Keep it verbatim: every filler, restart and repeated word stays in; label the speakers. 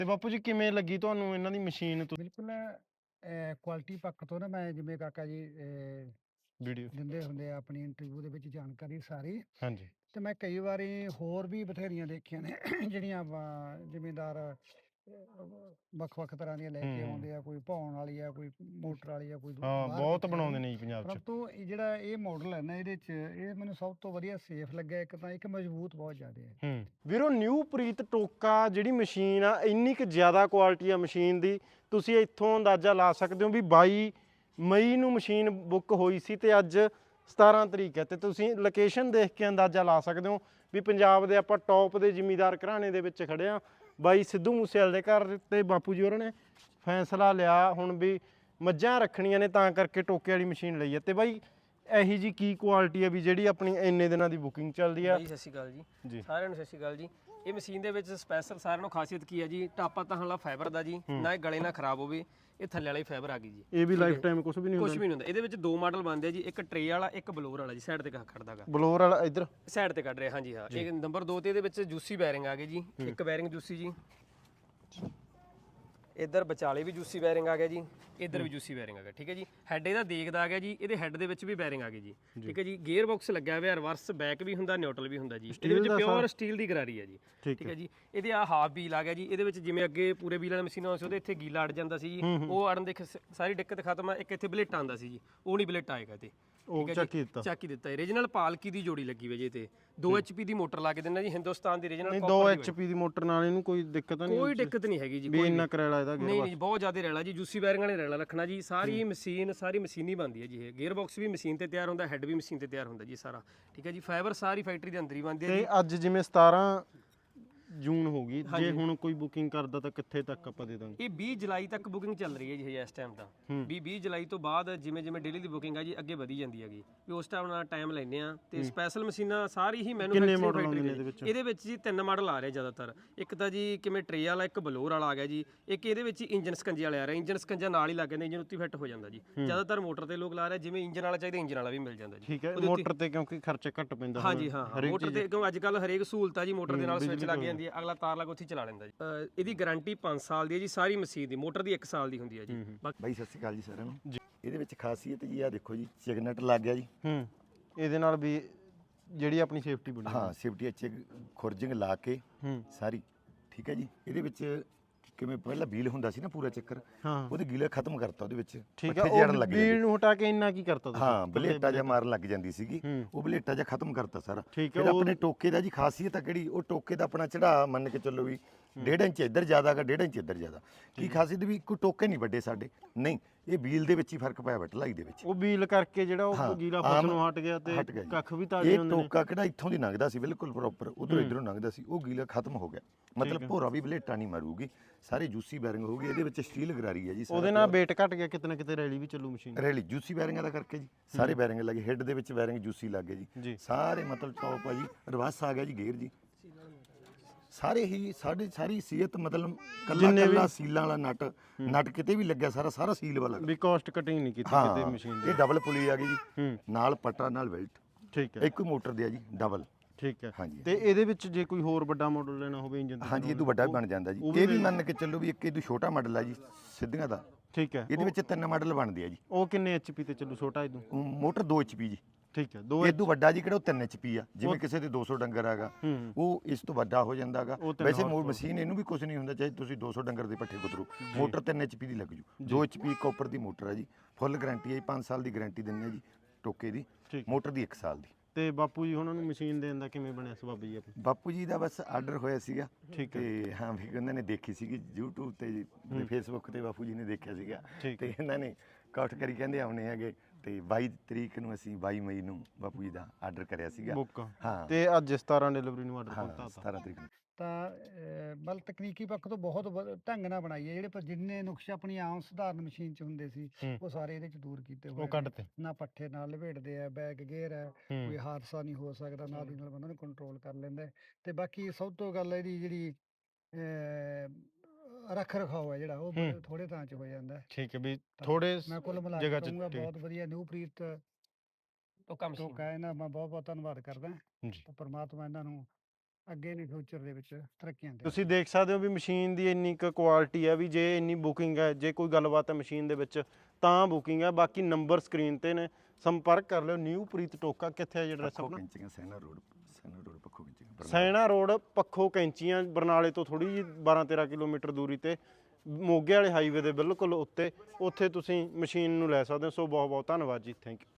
Speaker 1: ਤੇ ਬਾਪੂ ਜੀ ਕਿਵੇਂ ਲੱਗੀ ਤੁਹਾਨੂੰ ਇਹਨਾਂ ਦੀ ਮਸ਼ੀਨ?
Speaker 2: ਬਿਲਕੁਲ ਕੁਆਲਿਟੀ ਪੱਖ ਤੋਂ ਨਾ ਮੈਂ ਜਿਵੇਂ ਕਾਕਾ ਜੀ ਅਹ,
Speaker 1: ਵੀਡੀਓ
Speaker 2: ਦਿੰਦੇ ਹੁੰਦੇ ਆ ਆਪਣੀ ਇੰਟਰਵਿਊ ਦੇ ਵਿੱਚ ਜਾਣਕਾਰੀ ਸਾਰੀ,
Speaker 1: ਹਾਂਜੀ
Speaker 2: ਤੇ ਮੈਂ ਕਈ ਵਾਰੀ ਹੋਰ ਵੀ ਬਥੇਰੀਆਂ ਦੇਖੀਆਂ ਨੇ ਜਿਹੜੀਆਂ ਆਪਾਂ ਜ਼ਿਮੀਂਦਾਰ ਅਹ, ਵੱਖ-ਵੱਖ ਤਰ੍ਹਾਂ ਦੀਆਂ ਲੈ ਕੇ
Speaker 1: ਹੂੰ
Speaker 2: ਆਉਂਦੇ ਆ, ਕੋਈ ਭੌਣ ਵਾਲੀ ਆ, ਕੋਈ ਮੋਟਰ ਵਾਲੀ ਆ, ਕੋਈ ਦੂ-
Speaker 1: ਹਾਂ
Speaker 2: ਬਾਹਰ
Speaker 1: ਬਹੁਤ
Speaker 2: ਕਿਤੇ
Speaker 1: ਬਣਾਉਂਦੇ
Speaker 2: ਵਾਲੀ।
Speaker 1: ਨੇ ਜੀ ਪੰਜਾਬ 'ਚ।
Speaker 2: ਪਰੰਤੂ ਇਹ ਜਿਹੜਾ ਇਹ ਮਾਡਲ ਹੈ ਨਾ, ਇਹਦੇ 'ਚ ਇਹ ਮੈਨੂੰ ਸਭ ਤੋਂ ਵਧੀਆ ਸੇਫ ਲੱਗਿਆ। ਇੱਕ ਤਾਂ ਇੱਕ ਮਜ਼ਬੂਤ ਬਹੁਤ ਜ਼ਿਆਦਾ ਹੈ।
Speaker 1: ਹੂੰ ਵੀਰੋ ਨਿਊ ਪ੍ਰੀਤ ਟੋਕਾ ਜਿਹੜੀ ਮਸ਼ੀਨ ਆ ਇੰਨੀ ਕੁ ਜ਼ਿਆਦਾ ਕੁਆਲਿਟੀ ਆ ਮਸ਼ੀਨ ਦੀ, ਤੁਸੀਂ ਇੱਥੋਂ ਅੰਦਾਜ਼ਾ ਲਾ ਸਕਦੇ ਹੋ ਵੀ ਬਾਈ ਮਈ ਨੂੰ ਮਸ਼ੀਨ ਬੁੱਕ ਹੋਈ ਸੀ ਤੇ ਅੱਜ ਸਤਾਰਾਂ ਤਰੀਕ ਹੈ, ਤੇ ਤੁਸੀਂ ਲੋਕੇਸ਼ਨ ਦੇਖ ਕੇ ਅੰਦਾਜ਼ਾ ਲਾ ਸਕਦੇ ਹੋ ਵੀ ਪੰਜਾਬ ਦੇ ਆਪਾਂ ਟੌਪ ਦੇ ਜ਼ਿਮੀਂਦਾਰ ਘਰਾਣੇ ਦੇ ਵਿੱਚ ਖੜੇ ਆ। ਬਾਈ ਸਿੱਧੂ ਮੂਸੇਵਾਲੇ ਦੇ ਘਰ ਤੇ ਬਾਪੂ ਜੀ ਹੋਰਾਂ ਨੇ ਫੈਸਲਾ ਲਿਆ ਹੁਣ ਵੀ ਮੱਝਾਂ ਰੱਖਣੀਆਂ ਨੇ ਤਾਂ ਕਰਕੇ ਟੋਕੇ ਵਾਲੀ ਮਸ਼ੀਨ ਲਈ ਹੈ। ਤੇ ਬਾਈ ਇਹੀ ਜੀ ਕੀ ਕੁਆਲਿਟੀ ਹੈ ਵੀ ਜਿਹੜੀ ਆਪਣੀ ਇੰਨੇ ਦਿਨਾਂ ਦੀ ਬੁਕਿੰਗ ਚੱਲਦੀ ਆ?
Speaker 3: ਬਾਈ ਸਤਿ ਸ਼੍ਰੀ ਅਕਾਲ ਜੀ
Speaker 1: ਜੀ
Speaker 3: ਸਾਰਿਆਂ ਨੂੰ ਸਤਿ ਸ਼੍ਰੀ ਅਕਾਲ ਜੀ। ਇਹ ਮਸ਼ੀਨ ਦੇ ਵਿੱਚ ਸਪੈਸ਼ਲ ਸਾਰਿਆਂ ਨੂੰ ਖਾਸੀਅਤ ਕੀ ਹੈ ਜੀ, ਟਾਪਾ ਤਾਂ ਹਲਾ ਫਾਈਬਰ ਦਾ ਜੀ, ਨਾ ਇਹ ਗਲੇ ਨਾ ਖਰਾਬ ਹੋਵੇ, ਇਹ ਥੱਲੇ ਵਾਲੀ ਫਾਈਬਰ ਆ ਗਈ ਜੀ।
Speaker 1: ਇਹ ਵੀ ਲਾਈਫ ਟਾਈਮ ਕੁਝ ਵੀ ਨਹੀਂ
Speaker 3: ਕੁਝ
Speaker 1: ਹੁੰਦਾ?
Speaker 3: ਵੀ ਨਹੀਂ ਹੁੰਦਾ। ਇਹਦੇ ਵਿੱਚ ਦੋ ਮਾਡਲ ਬਣਦੇ ਆ ਜੀ, ਇੱਕ ਟਰੇ ਵਾਲਾ ਇੱਕ ਬਲੋਰ ਵਾਲਾ ਜੀ। ਸਾਈਡ ਤੇ ਖੜਦਾਗਾ
Speaker 1: ਬਲੋਰ ਵਾਲਾ ਇੱਧਰ
Speaker 3: ਸਾਈਡ ਤੇ ਕੱਢ ਰਿਹਾ ਹਾਂਜੀ ਹਾਂ। ਇਹ ਨੰਬਰ ਦੋ ਤੇ ਇਹਦੇ ਵਿੱਚ ਜੂਸੀ ਬੈਰਿੰਗ ਆ ਗਏ ਜੀ, ਇੱਕ ਬੈਰਿੰਗ ਜੂਸੀ ਜੀ, ਇੱਧਰ ਵਿਚਾਲੇ ਵੀ ਜੂਸੀ ਬੈਰਿੰਗ ਆ ਗਿਆ ਜੀ, ਇੱਧਰ ਵੀ ਜੂਸੀ ਬੈਰਿੰਗ ਆ ਗਿਆ। ਠੀਕ ਹੈ ਜੀ। ਹੈੱਡ ਇਹਦਾ ਦੇਖਦਾ ਆ ਗਿਆ ਜੀ, ਇਹਦੇ ਹੈੱਡ ਦੇ ਵਿੱਚ ਵੀ ਬੈਰਿੰਗ ਆ ਗਈ ਜੀ। ਠੀਕ ਹੈ ਜੀ। ਗੇਅਰ ਬਾਕਸ ਲੱਗਿਆ ਹੋਇਆ, ਰਿਵਰਸ ਬੈਕ ਵੀ ਹੁੰਦਾ, ਨਿਊਟਰਲ ਵੀ ਹੁੰਦਾ ਜੀ। ਇਹਦੇ ਵਿੱਚ ਪਿਓਰ ਸਟੀਲ ਦੀ ਗਰਾਰੀ ਹੈ ਜੀ। ਠੀਕ ਹੈ ਜੀ। ਇਹਦੇ ਆ ਹਾਫ ਵੀਲ ਆ ਗਿਆ ਜੀ। ਇਹਦੇ ਵਿੱਚ ਜਿਵੇਂ ਅੱਗੇ ਪੂਰੇ ਵੀਲ ਵਾਲੀ ਮਸ਼ੀਨਾਂ ਸੀ ਉਹਦੇ ਇੱਥੇ ਗੀਲਾ ਅੜ ਜਾਂਦਾ ਸੀ ਜੀ, ਉਹ ਅੜਨ ਦੇ ਖ- ਸਾਰੀ ਦਿੱਕਤ ਖਤਮ ਆ। ਇੱਕ ਇੱਥੇ ਬਲੇਟ ਆਉਂਦਾ ਸੀ ਜੀ, ਉਹ ਨਹੀਂ ਬਲੇਟ ਆਏਗਾ ਤੇ
Speaker 1: ਉਹ ਚੱਕੀ ਦਿੱਤਾ।
Speaker 3: ਚੱਕ ਹੀ ਦਿੱਤਾ। ਓਰੀਜਨਲ ਪਾਲਕੀ ਦੀ ਜੋੜੀ ਲੱਗੀ ਹੋਈ ਜੀ ਤੇ ਦੋ ਐਚਪੀ ਦੀ ਮੋਟਰ ਲਾ ਕੇ ਦਿੰਦਾ ਜੀ, ਹਿੰਦੁਸਤਾਨ ਦੀ ਓਰੀਜਨਲ।
Speaker 1: ਨਹੀਂ ਦੋ ਐਚਪੀ ਦੀ ਮੋਟਰ ਨਾਲ ਇਹਨੂੰ ਕੋਈ ਦਿੱਕਤ ਨਹੀਂ?
Speaker 3: ਕੋਈ ਦਿੱਕਤ ਨਹੀਂ ਹੈਗੀ ਜੀ,
Speaker 1: ਵੀ
Speaker 3: ਕੋਈ
Speaker 1: ਇੰਨਾ ਕਰੇਲਾ ਇਹਦਾ ਗੇਅਰ
Speaker 3: ਨਹੀਂ ਨਹੀਂ ਬਹੁਤ ਜ਼ਿਆਦਾ ਰੈਲਾ ਜੀ। ਜੂਸੀ ਬੈਰਿੰਗ ਵਾਲੇ ਰੈਲਾ ਰੱਖਣਾ ਜੀ। ਸਾਰੀ ਮਸ਼ੀਨ ਸਾਰੀ ਮਸ਼ੀਨੀ ਬਣਦੀ ਹੈ ਜੀ। ਇਹ ਗੇਅਰ ਬਾਕਸ ਵੀ ਮਸ਼ੀਨ ਤੇ ਤਿਆਰ ਹੁੰਦਾ, ਹੈੱਡ ਵੀ ਮਸ਼ੀਨ ਤੇ ਤਿਆਰ ਹੁੰਦਾ ਜੀ ਸਾਰਾ। ਠੀਕ ਹੈ ਜੀ। ਫਾਈਬਰ ਸਾਰੀ ਫੈਕਟਰੀ ਦੇ ਅੰਦਰ ਹੀ ਬਣਦੀ ਹੈ
Speaker 1: ਤੇ
Speaker 3: ਜੀ।
Speaker 1: ਅੱਜ ਜਿਵੇਂ ਸਤਾਰਾਂ ਜੂਨ ਹੋ ਗਈ, ਜੇ ਹੁਣ ਕੋਈ ਬੁਕਿੰਗ ਕਰਦਾ ਤਾਂ ਕਿੱਥੇ ਤੱਕ ਆਪਾਂ ਦੇ ਦਾਂਗੇ?
Speaker 3: ਇਹ ਵੀਹ ਜੁਲਾਈ ਤੱਕ ਬੁਕਿੰਗ ਚੱਲ ਰਹੀ ਹੈ ਜੀ ਇਸ ਟਾਈਮ ਤਾਂ। ਵੀਹ ਵੀਹ ਜੁਲਾਈ ਤੋਂ ਬਾਅਦ ਜਿਵੇਂ ਜਿਵੇਂ ਡੇਲੀ ਦੀ ਬੁਕਿੰਗ ਆ ਜੀ ਅੱਗੇ ਵਧੀ ਜਾਂਦੀ ਹੈਗੀ, ਵੀ ਉਸ ਟਾਈਮ ਨਾਲ ਟਾਈਮ ਲੈਂਦੇ ਆ। ਤੇ ਸਪੈਸ਼ਲ ਮਸ਼ੀਨਾਂ ਸਾਰੀ ਹੀ ਮੈਨੂਫੈਕਚਰਿੰਗ ਫੈਕਟਰੀ
Speaker 1: ਇਹਦੇ ਵਿੱਚ?
Speaker 3: ਇਹਦੇ ਵਿੱਚ ਜੀ ਤਿੰਨ ਮਾਡਲ ਆ ਰਹੇ ਜ਼ਿਆਦਾਤਰ। ਇੱਕ ਤਾਂ ਜੀ ਕਿਵੇਂ ਟਰੇ ਵਾਲਾ, ਇੱਕ ਬਲੋਰ ਵਾਲਾ ਆ ਗਿਆ ਜੀ, ਇੱਕ ਇਹਦੇ ਵਿੱਚ ਇੰਜਨ ਸਕੰਜੇ ਵਾਲੇ ਆ ਰਹੇ। ਇੰਜਨ ਸਕੰਜਾ ਨਾਲ ਹੀ ਲੱਗ ਜਾਂਦੇ, ਇੰਜਨ ਉੱਤੇ ਫਿੱਟ ਹੋ ਜਾਂਦਾ ਜੀ। ਜ਼ਿਆਦਾਤਰ ਮੋਟਰ ਤੇ ਲੋਕ ਲਾ ਰਹੇ, ਜਿਵੇਂ ਇੰਜਨ ਵਾਲਾ ਚਾਹੀਦਾ ਇੰਜਨ ਵਾਲਾ ਵੀ ਮਿਲ ਜਾਂਦਾ ਜੀ।
Speaker 1: ਠੀਕ ਹੈ। ਮੋਟਰ ਤੇ ਕਿਉਂਕਿ ਖਰਚਾ ਘੱਟ ਪੈਂਦਾ?
Speaker 3: ਹਾਂਜੀ ਹਾਂ ਮੋਟਰ ਤੇ ਕਿਉਂ ਅੱਜ ਕੱਲ ਹਰੇਕ ਸਹੂਲਤ ਆ ਜੀ, ਮੋਟਰ ਦੇ ਨਾਲ ਸਵਿਚ ਲੱਗ ਜਾਂਦੀ ਹੈ, ਅਗਲਾ ਤਾਰ ਲਾ ਕੇ ਉੱਥੇ ਚਲਾ ਲੈਂਦਾ ਜੀ। ਅਹ ਇਹਦੀ ਗਾਰੰਟੀ ਪੰਜ ਸਾਲ ਦੀ ਹੈ ਜੀ ਸਾਰੀ ਮਸ਼ੀਨ ਦੀ। ਮੋਟਰ ਦੀ ਇੱਕ ਸਾਲ ਦੀ ਹੁੰਦੀ ਹੈ ਜੀ।
Speaker 4: ਬਾਈ ਸਤਿ ਸ਼੍ਰੀ ਅਕਾਲ ਜੀ ਸਾਰਿਆਂ ਨੂੰ। ਇਹਦੇ ਵਿੱਚ ਖਾਸੀਅਤ ਜੀ ਆ ਦੇਖੋ ਜੀ, ਸਿਗਨਟ ਲੱਗ ਗਿਆ ਜੀ।
Speaker 1: ਹੂੰ ਇਹਦੇ ਨਾਲ ਵੀ ਜਿਹੜੀ ਆਪਣੀ ਸੇਫਟੀ ਬਣੀ?
Speaker 4: ਹਾਂ ਸੇਫਟੀ ਅੱਛੇ ਖੁਰਜਿੰਗ ਲਾ ਕੇ
Speaker 1: ਹੂੰ
Speaker 4: ਸਾਰੀ। ਠੀਕ ਹੈ ਜੀ। ਇਹਦੇ ਵਿੱਚ ਕਿਵੇਂ ਪਹਿਲਾਂ ਵੀਲ ਹੁੰਦਾ ਸੀ ਨਾ ਪੂਰਾ ਚੱਕਰ,
Speaker 1: ਹਾਂ
Speaker 4: ਉਹਦੇ ਗੀਲਾ ਖਤਮ ਕਰਤਾ ਉਹਦੇ ਵਿੱਚ।
Speaker 1: ਠੀਕ ਹੈ।
Speaker 4: ਪੱਠੇ ਜੜਨ
Speaker 1: ਉਹ
Speaker 4: ਲੱਗ
Speaker 1: ਵੀਲ
Speaker 4: ਜਾਂਦੇ।
Speaker 1: ਨੂੰ ਹਟਾ ਕੇ ਇੰਨਾ ਕੀ ਕਰਤਾ ਤੁਸੀਂ?
Speaker 4: ਹਾਂ ਬਲੇਟਾ ਜਿਹਾ ਮਾਰਨ ਲੱਗ ਜਾਂਦੀ ਸੀਗੀ,
Speaker 1: ਹੂੰ।
Speaker 4: ਉਹ ਬਲੇਟਾ ਜਿਹਾ ਖਤਮ ਕਰਤਾ ਸਾਰਾ।
Speaker 1: ਠੀਕ ਹੈ।
Speaker 4: ਫਿਰ ਆਪਣੇ ਟੋਕੇ ਦਾ ਜੀ ਖਾਸੀਅਤ ਆ ਕਿਹੜੀ, ਉਹ ਟੋਕੇ ਦਾ ਆਪਣਾ ਚੜਾ ਮੰਨ ਕੇ ਚੱਲੋ ਵੀ ਡੇਢ ਇੰਚ ਇੱਧਰ ਜ਼ਿਆਦਾ ਗਾ, ਡੇਢ ਇੰਚ ਇੱਧਰ ਜ਼ਿਆਦਾ। ਕੀ ਖਾਸੀਅਤ ਵੀ ਕੋਈ ਟੋਕੇ ਨਹੀਂ ਵੱਡੇ ਸਾਡੇ, ਨਹੀਂ ਇਹ ਵੀਲ ਦੇ ਵਿੱਚ ਹੀ ਫਰਕ ਪਿਆ ਵਾ ਢਲਾਈ ਦੇ ਵਿੱਚ।
Speaker 1: ਉਹ ਵੀਲ ਕਰਕੇ ਜਿਹੜਾ ਉਹ
Speaker 4: ਹਾਂ,
Speaker 1: ਗੀਲਾ
Speaker 4: ਆਮ
Speaker 1: ਫਸ ਨੂੰ ਹਟ ਗਿਆ ਤੇ
Speaker 4: ਹਟ ਗਿਆ ਜੀ।
Speaker 1: ਕੱਖ ਵੀ ਤਾਜ਼ੇ
Speaker 4: ਇਹ
Speaker 1: ਹੁੰਦੇ ਨੇ?
Speaker 4: ਟੋਕਾ ਕਿਹੜਾ ਇੱਥੋਂ ਦੀ ਲੰਘਦਾ ਸੀ ਬਿਲਕੁਲ ਪ੍ਰੋਪਰ, ਉਧਰੋਂ ਇਧਰੋਂ ਲੰਘਦਾ ਸੀ, ਉਹ ਗੀਲਾ ਖਤਮ ਹੋ ਗਿਆ। ਮਤਲਬ ਭੋਰਾ ਵੀ ਬਲੇਟਾ ਨਹੀਂ ਮਾਰੂਗੀ, ਸਾਰੀ ਜੂਸੀ ਬੈਰਿੰਗ ਹੋਊਗੀ। ਇਹਦੇ ਵਿੱਚ ਸਟੀਲ ਗਰਾਰੀ ਹੈ ਜੀ ਸਾਰਾ।
Speaker 1: ਉਹਦੇ ਨਾਲ weight ਘਟ ਗਿਆ, ਕਿਤੇ ਨਾ ਕਿਤੇ ਰੈਲੀ ਵੀ ਚੱਲੂ ਮਸ਼ੀਨ।
Speaker 4: ਰੈਲੀ ਜੂਸੀ ਬੈਰਿੰਗਾਂ ਦਾ ਕਰਕੇ ਜੀ ਸਾਰੇ ਬੈਰਿੰਗ ਲੱਗੇ, ਹੈੱਡ ਦੇ ਵਿੱਚ ਬੈਰਿੰਗ ਜੂਸੀ ਲੱਗ ਗਏ
Speaker 1: ਜੀ।
Speaker 4: ਜੀ ਸਾਰੇ। ਮਤਲਬ ਟੌਪ ਆ ਜੀ, ਰਿਵਰਸ ਆ ਗਿਆ ਜੀ ਗੇਅਰ ਜੀ, ਸਾਰੇ ਹੀ ਸਾਡੇ ਸਾਰੀ ਸੀਅਤ ਮਤਲਬ ਕੱਲਾ ਕੱਲਾ ਸੀਲਾਂ ਵਾਲਾ ਨਟ ਨਟ ਕਿਤੇ ਵੀ ਲੱਗਿਆ, ਸਾਰਾ ਸਾਰਾ ਸੀਲ ਵਾਲਾ।
Speaker 1: ਵੀ ਕਾਸਟ ਕਟਿੰਗ ਨਹੀਂ ਕੀਤੀ ਕਿਤੇ
Speaker 4: ਹਾਂ
Speaker 1: ਮਸ਼ੀਨ ਦੀ?
Speaker 4: ਇਹ ਡਬਲ ਪੁਲੀ ਆ ਗਈ ਜੀ,
Speaker 1: ਹੂੰ
Speaker 4: ਨਾਲ ਪੱਟਾ ਨਾਲ ਬੈਲਟ।
Speaker 1: ਠੀਕ ਹੈ।
Speaker 4: ਇੱਕੋ ਮੋਟਰ ਦੇ ਆ ਜੀ ਡਬਲ।
Speaker 1: ਠੀਕ ਹੈ।
Speaker 4: ਹਾਂਜੀ।
Speaker 1: ਤੇ ਇਹਦੇ ਵਿੱਚ ਜੇ ਕੋਈ ਹੋਰ ਵੱਡਾ ਮਾਡਲ ਲੈਣਾ ਹੋਵੇ ਇੰਜਨ ਦਾ?
Speaker 4: ਹਾਂਜੀ ਇਹ ਤੋਂ ਵੱਡਾ ਵੀ ਬਣ ਜਾਂਦਾ ਜੀ। ਇਹ ਵੀ ਮੰਨ ਕੇ ਚੱਲੋ ਵੀ ਇੱਕ ਇਹ ਤੋਂ ਛੋਟਾ ਮਾਡਲ ਆ ਜੀ ਸਿੱਧੀਆਂ ਦਾ।
Speaker 1: ਠੀਕ ਹੈ।
Speaker 4: ਇਹਦੇ ਵਿੱਚ ਤਿੰਨ ਮਾਡਲ ਬਣਦੇ ਆ ਜੀ।
Speaker 1: ਉਹ ਕਿੰਨੇ ਐਚਪੀ ਤੇ ਚੱਲੂ ਛੋਟਾ ਇਹਦੋਂ?
Speaker 4: ਉਹ ਮੋਟਰ ਦੋ ਐਚਪੀ ਜੀ।
Speaker 1: ਠੀਕ ਹੈ। ਦੋ
Speaker 4: ਇਹ ਤੋਂ ਵੱਡਾ ਜੀ ਕਿਹੜਾ ਉਹ ਤਿੰਨ ਐਚਪੀ ਆ, ਜਿਵੇਂ ਕਿਸੇ ਦੇ ਦੋ ਸੌ ਡੰਗਰ ਹੈਗਾ
Speaker 1: ਹੂੰ
Speaker 4: ਉਹ ਇਸ ਤੋਂ ਵੱਡਾ ਹੋ ਜਾਂਦਾਗਾ।
Speaker 1: ਉਹ ਤਿੰਨ
Speaker 4: ਵੈਸੇ ਮੋ ਮਸ਼ੀਨ ਇਹਨੂੰ ਵੀ ਕੁਝ ਨਹੀਂ ਹੁੰਦਾ, ਚਾਹੇ ਤੁਸੀਂ ਦੋ ਸੌ ਡੰਗਰ ਦੇ ਪੱਠੇ ਕੁਤਰੋ, ਮੋਟਰ ਤਿੰਨ ਐਚਪੀ ਦੀ ਲੱਗ ਜੂ। ਦੋ ਐਚਪੀ ਕਾਪਰ ਦੀ ਮੋਟਰ ਹੈ ਜੀ, ਫੁੱਲ ਗਾਰੰਟੀ ਹੈ ਜੀ, ਪੰਜ ਸਾਲ ਦੀ ਗਾਰੰਟੀ ਦਿੰਦੇ ਆ ਜੀ ਟੋਕੇ ਦੀ,
Speaker 1: ਠੀਕ।
Speaker 4: ਮੋਟਰ ਦੀ ਇੱਕ ਸਾਲ ਦੀ।
Speaker 1: ਤੇ ਬਾਪੂ ਜੀ ਉਹਨਾਂ ਨੂੰ ਮਸ਼ੀਨ ਦੇਣ ਦਾ ਕਿਵੇਂ ਬਣਿਆ ਸਬੱਬ ਜੀ ਆਪਣੀ?
Speaker 4: ਬਾਪੂ ਜੀ ਦਾ ਬਸ ਆਰਡਰ ਹੋਇਆ ਸੀਗਾ।
Speaker 1: ਠੀਕ ਹੈ।
Speaker 4: ਤੇ ਹਾਂ ਵੀ ਉਹਨਾਂ ਨੇ ਦੇਖੀ ਸੀਗੀ YouTube ਤੇ ਜੀ, ਤੇ Facebook ਤੇ ਬਾਪੂ ਜੀ ਨੇ ਦੇਖਿਆ ਸੀਗਾ,
Speaker 1: ਠੀਕ
Speaker 4: ਤੇ ਇਹਨਾਂ ਨੇ ਕਾਊਟ ਕਰੀ ਕਹਿੰਦੇ ਆਉਣੇ ਹੈਗੇ। ਤੇ ਬਾਈ ਤਰੀਕ ਨੂੰ ਅਸੀਂ ਬਾਈ ਮਈ ਨੂੰ ਬਾਪੂ ਜੀ ਦਾ ਆਰਡਰ ਕਰਿਆ ਸੀਗਾ।
Speaker 1: ਬੁੱਕ
Speaker 4: ਹਾਂ
Speaker 1: ਤੇ ਅੱਜ ਸਤਾਰਾਂ ਡਿਲੀਵਰੀ ਨੂੰ ਆਰਡਰ
Speaker 4: ਹਾਂ
Speaker 1: ਕਰਤਾ ਤਾ?
Speaker 4: ਸਤਾਰਾਂ ਤਰੀਕ ਨੂੰ।
Speaker 2: ਤਾਂ ਅਹ, ਬਲ ਤਕਨੀਕੀ ਪੱਖ ਤੋਂ ਬਹੁਤ ਵ- ਢੰਗ ਨਾਲ ਬਣਾਈ ਹੈ। ਜਿਹੜੇ ਪਰ ਜਿੰਨੇ ਨੁਕਸੇ ਆਪਣੀ ਆਮ ਸਧਾਰਨ ਮਸ਼ੀਨ 'ਚ ਹੁੰਦੇ ਸੀ
Speaker 1: ਹੂੰ।
Speaker 2: ਉਹ ਸਾਰੇ ਇਹਦੇ 'ਚ ਦੂਰ ਕੀਤੇ ਹੋਏ
Speaker 1: ਉਹ
Speaker 2: ਨੇ।
Speaker 1: ਕੱਢਤੇ?
Speaker 2: ਨਾ ਪੱਠੇ ਨਾਲ ਲਪੇਟਦੇ ਆ, ਬੈਕ ਗੇਅਰ ਹੈ, ਕੋਈ
Speaker 1: ਹੂੰ
Speaker 2: ਹਾਦਸਾ ਨਹੀਂ ਹੋ ਸਕਦਾ, ਨਾਲ ਦੀ ਨਾਲ ਬੰਦਾ ਨੂੰ ਕੰਟਰੋਲ ਕਰ ਲੈਂਦਾ ਹੈ। ਤੇ ਬਾਕੀ ਸਭ ਤੋਂ ਗੱਲ ਇਹਦੀ ਜਿਹੜੀ ਅਹ, ਰੱਖ ਰਖਾਓ ਹੈ ਜਿਹੜਾ ਉਹ
Speaker 1: ਹੂੰ।
Speaker 2: ਥੋੜੇ ਤਾਂ 'ਚ ਹੋ ਜਾਂਦਾ ਹੈ।
Speaker 1: ਠੀਕ ਹੈ। ਵੀ
Speaker 2: ਤਾਂ
Speaker 1: ਥੋੜੇ
Speaker 2: ਮੈਂ ਕੁੱਲ ਮਿਲਾ
Speaker 1: ਜਗ੍ਹਾ
Speaker 2: ਕੇ
Speaker 1: 'ਚ
Speaker 2: ਕਹੂੰਗਾ
Speaker 1: ਠੀਕ।
Speaker 2: ਬਹੁਤ ਵਧੀਆ ਨਿਊ ਪ੍ਰੀਤ
Speaker 3: ਟੋਕਾ ਮਸ਼ੀਨ।
Speaker 2: ਟੋਕਾ, ਇਹਨਾਂ ਮੈਂ ਬਹੁਤ ਬਹੁਤ ਧੰਨਵਾਦ ਕਰਦਾ।
Speaker 1: ਜੀ।
Speaker 2: ਤਾਂ ਪਰਮਾਤਮਾ ਇਹਨਾਂ ਨੂੰ ਅੱਗੇ ਨਹੀਂ ਫਿਊਚਰ ਦੇ ਵਿੱਚ ਤਰੱਕੀਆਂ ਦੇ
Speaker 1: ਤੁਸੀਂ ਦੇਖ ਸਕਦੇ ਹੋ ਵੀ ਮਸ਼ੀਨ ਦੀ ਇੰਨੀ ਕੁ ਕੁਆਲਿਟੀ ਹੈ ਵੀ ਜੇ ਇੰਨੀ ਬੁਕਿੰਗ ਹੈ, ਜੇ ਕੋਈ ਗੱਲਬਾਤ ਹੈ ਮਸ਼ੀਨ ਦੇ ਵਿੱਚ ਤਾਂ ਬੁਕਿੰਗ ਹੈ। ਬਾਕੀ ਨੰਬਰ ਸਕਰੀਨ ਤੇ ਨੇ, ਸੰਪਰਕ ਕਰ ਲਿਓ। ਨਿਊ ਪ੍ਰੀਤ ਟੋਕਾ ਕਿੱਥੇ ਹੈ ਐਡਰੈਸ
Speaker 4: ਪੱਖੋ
Speaker 1: ਆਪਣਾ?
Speaker 4: ਕੈਂਚੀਆਂ ਸੈਨਾ ਰੋਡ ਸੈਨਾ ਰੋਡ ਪੱਖੋ ਕੈਂਚੀਆਂ
Speaker 1: ਸੈਣਾ ਰੋਡ ਪੱਖੋ ਕੈਂਚੀਆਂ, ਬਰਨਾਲੇ ਤੋਂ ਥੋੜੀ ਜਿਹੀ ਬਾਰਾਂ ਤੇਰਾਂ ਕਿਲੋਮੀਟਰ ਦੂਰੀ ਤੇ ਮੋਗੇ ਵਾਲੇ ਹਾਈਵੇ ਦੇ ਬਿਲਕੁਲ ਉੱਤੇ, ਉੱਥੇ ਤੁਸੀਂ ਮਸ਼ੀਨ ਨੂੰ ਲੈ ਸਕਦੇ ਹੋ। ਸੋ ਬਹੁਤ ਬਹੁਤ ਧੰਨਵਾਦ ਜੀ, ਥੈਂਕ ਯੂ।